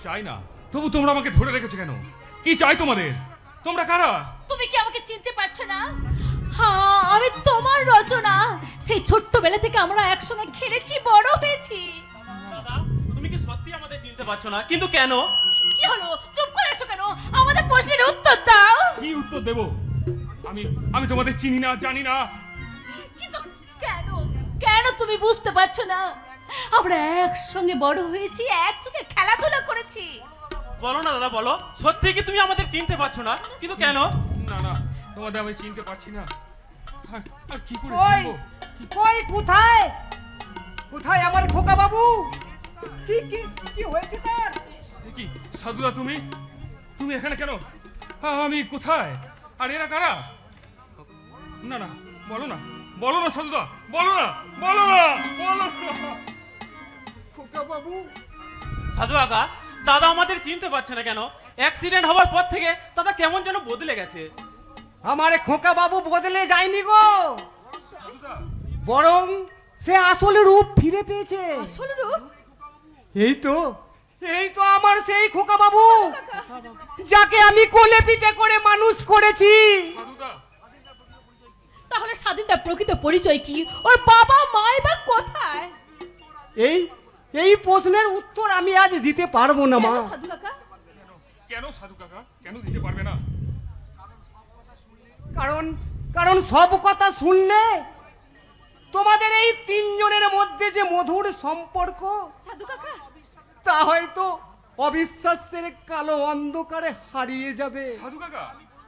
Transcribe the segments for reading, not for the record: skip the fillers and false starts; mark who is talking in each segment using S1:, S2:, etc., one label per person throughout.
S1: চাই না, তবু তোমরা আমাকে ধরে রেখেছো কেন? কি চাই তোমাদের? তোমরা কারা?
S2: তুমি কি আমাকে চিনতে পারছো না? হ্যাঁ, আমি তোমার রচনা। সেই ছোট্টবেলা থেকে আমরা একসঙ্গে খেলেছি, বড় হয়েছি।
S3: দাদা, তুমি কি সত্যি আমাদের চিনতে পারছো না? কিন্তু কেন?
S2: কি হলো, চুপ করে আছো কেন? আমাদের প্রশ্নের উত্তর দাও।
S1: কি উত্তর দেব? আমি তোমাদের চিনি না, জানি না।
S2: কিন্তু কেন, কেন তুমি বুঝতে পারছো না? আমরা একসঙ্গে বড় হয়েছি, একসঙ্গে খেলাধুলা করেছি।
S3: বলো না দাদা, বলো, সত্যি কি তুমি আমাদের চিনতে পারছো না? কিন্তু কেন?
S1: না না, তোমাদের আমি চিনতে পারছি না। আর কি করে
S4: কই
S1: চিনবো?
S4: কই কোথায় কোথায় আমার খোকা বাবু? কি কি কি হয়েছে তার?
S1: কি সাধুদা, তুমি তুমি এখানে কেন? আমি কোথায়? আর এরা কারা? না না, বলো না, বলো না সাধুদা, বলো না, বলো না, বলো না।
S4: খোকা বাবু,
S3: সাধু আগা, দাদা আমাদের চিনতে পারছে না কেন? অ্যাক্সিডেন্ট হওয়ার পর থেকে দাদা কেমন যেন বদলে গেছে।
S4: আমার খোকা বাবু বদলে যায়নি গো,
S1: সাধুদা,
S4: বরং সে আসল রূপ ফিরে পেয়েছে।
S2: আসল রূপ?
S4: এই তো আমার সেই খোকা বাবু, যাকে আমি কোলে পিঠে করে মানুষ করেছি।
S1: সাধুদা,
S2: তাহলে স্বাধীনতার প্রকৃত পরিচয় কি? ওর বাবা মাই বা কোথায়?
S4: এই প্রশ্নের উত্তর আমি আজ দিতে পারবো না মা।
S2: কেন সাধু কাকা?
S1: কেন সাধু কাকা, কেন দিতে পারবে না?
S4: কারণ সব কথা শুনলে তোমাদের এই তিনজনের মধ্যে যে মধুর সম্পর্ক,
S2: সাধু কাকা,
S4: তা হয়তো অবিশ্বাসের কালো অন্ধকারে হারিয়ে যাবে।
S1: সাধু কাকা,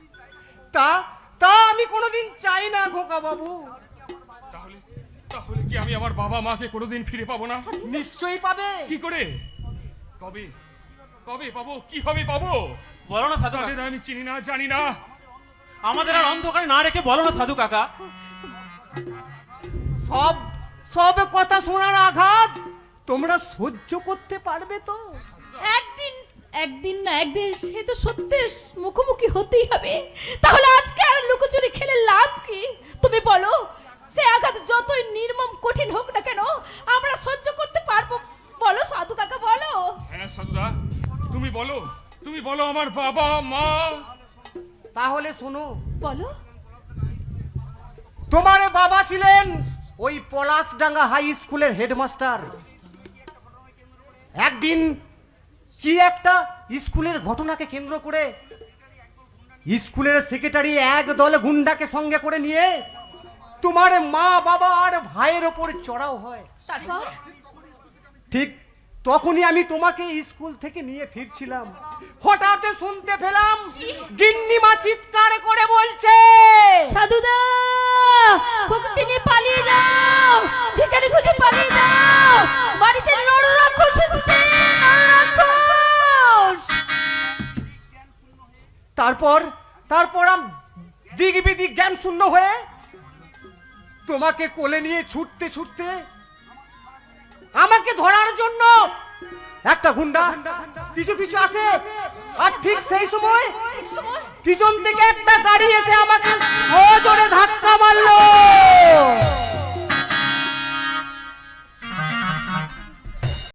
S4: তা আমি কোনোদিন চাই না খোকা বাবু।
S1: তাহলে তাহলে কি আমি আমার বাবা মাকে কোনোদিন ফিরে পাবো না?
S4: নিশ্চয়ই পাবে।
S1: কি করে? কবে কবে পাবো? কিভাবে পাবো?
S3: বলো না সাধু কাকা,
S1: তাদের আমি চিনি না, জানি না।
S3: আমাদের আর অন্ধকারে না রেখে বলো না সাধু কাকা।
S4: সব কথা শোনার আঘাত তোমরা সহ্য করতে পারবে তো?
S2: একদিন না একদিন সে তো সত্যের মুখোমুখি হতেই হবে। তাহলে আজকে আর লুকোচুরি খেলে লাভ কি? তুমি বলো, সে আঘাত যতই নির্মম কঠিন হোক না কেন, আমরা সহ্য করতে পারবো? বলো সাধু কাকা, বলো।
S1: হ্যাঁ সাধুদা, তুমি বলো আমার বাবা মা।
S4: তাহলে শোনো,
S2: বলো।
S4: তোমার বাবা ছিলেন ওই পলাশডাঙ্গা হাই স্কুলের হেডমাস্টার। একদিন কি একটা স্কুলের ঘটনাকে কেন্দ্র করে স্কুলের সেক্রেটারি একদল গুন্ডাকে সঙ্গে করে নিয়ে তোমার মা বাবা আর ভাইয়ের ওপর চড়াও হয়।
S2: তারপর?
S4: ঠিক তখনই আমি তোমাকে স্কুল থেকে নিয়ে ফিরছিলাম, হঠাৎ শুনতে পেলাম গিন্নিমা চিৎকার করে বলছে,
S2: সাধুদা, খোকাকে নিয়ে পালিয়ে যাও, ঠিকানা খুঁজে পালিয়ে যাও, বাড়িতে নররাক্ষস এসেছে, নররাক্ষস।
S4: তারপর আমি দিগবিদি জ্ঞান শূন্য হয়ে তোমাকে কোলে নিয়ে ছুটতে আমাকে ধরার জন্য একটা গুন্ডা পিছু আসে। আর ঠিক সেই সময় পিছন থেকে একটা গাড়ি এসে আমাকে সজোরে ধাক্কা মারলো।